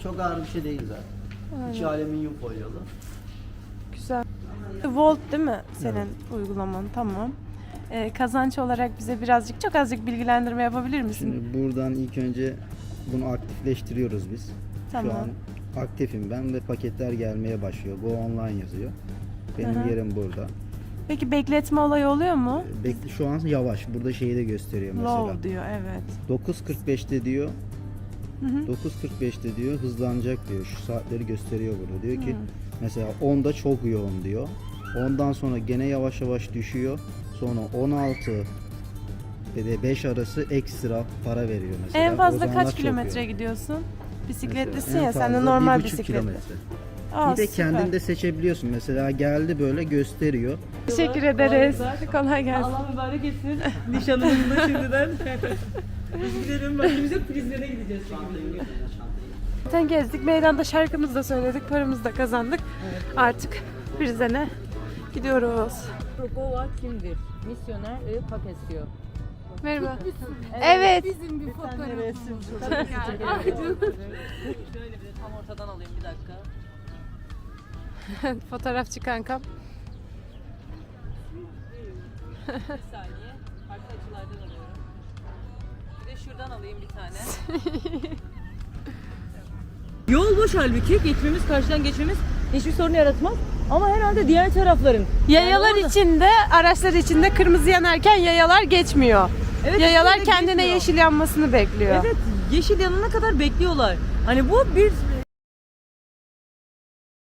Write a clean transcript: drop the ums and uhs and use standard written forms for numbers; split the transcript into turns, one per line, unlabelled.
Çok ağır bir şey değil zaten. İçi alüminyum folyalı.
Güzel. Volt değil mi senin uygulaman? Tamam. Kazanç olarak bize birazcık, çok azıcık bilgilendirme yapabilir misin?
Şimdi buradan ilk önce bunu aktifleştiriyoruz biz.
Tamam.
Şu an aktifim ben ve paketler gelmeye başlıyor. Go online yazıyor. Benim
Aha.
yerim burada.
Peki bekletme olayı oluyor mu?
Şu an yavaş. Burada şeyi de gösteriyor mesela.
Low diyor, evet.
9.45'te diyor.
Hı hı.
9.45'te diyor hızlanacak diyor. Şu saatleri gösteriyor burada. Diyor ki mesela 10'da çok yoğun diyor. Ondan sonra gene yavaş yavaş düşüyor. Sonra 16 ve de 5 arası ekstra para veriyor mesela.
En
O
fazla
zamanlar
kaç
çok
kilometre
yoğun.
gidiyorsun? Bisikletlisin
Mesela en
ya, sen de
fazla
normal
1,5
bisikletli.
kilometre.
Aa,
Bir de
süper.
kendin de seçebiliyorsun. Mesela geldi böyle gösteriyor.
Teşekkür ederiz. Kolay gelsin.
Allah mübarek etsin. Nişanımızın da şimdiden. Biz gidelim bak biz de prizlere gideceğiz.
Zaten gezdik, meydanda şarkımızı da söyledik, paramızı da kazandık. Artık Prizren'e gidiyoruz.
Prokova kimdir? Misyoner ve Papesio.
Merhaba. Evet.
Bizim bir fotoğrafımız. Şöyle bir de tam ortadan alayım bir dakika.
Fotoğrafçı kankam.
Bir saniye. Farklı açılardan alıyorum. Bir de şuradan alayım bir tane. Yol boş halbuki. Geçmemiz, karşıdan geçmemiz hiçbir sorun yaratmaz. Ama herhalde diğer tarafların.
Yayalar
Yani orada-
içinde, araçlar içinde kırmızı yanarken yayalar geçmiyor.
Evet,
Yayalar
kesinlikle
kendine
geçmiyor.
yeşil yanmasını bekliyor.
Evet, yeşil yanana kadar bekliyorlar. Hani bu bir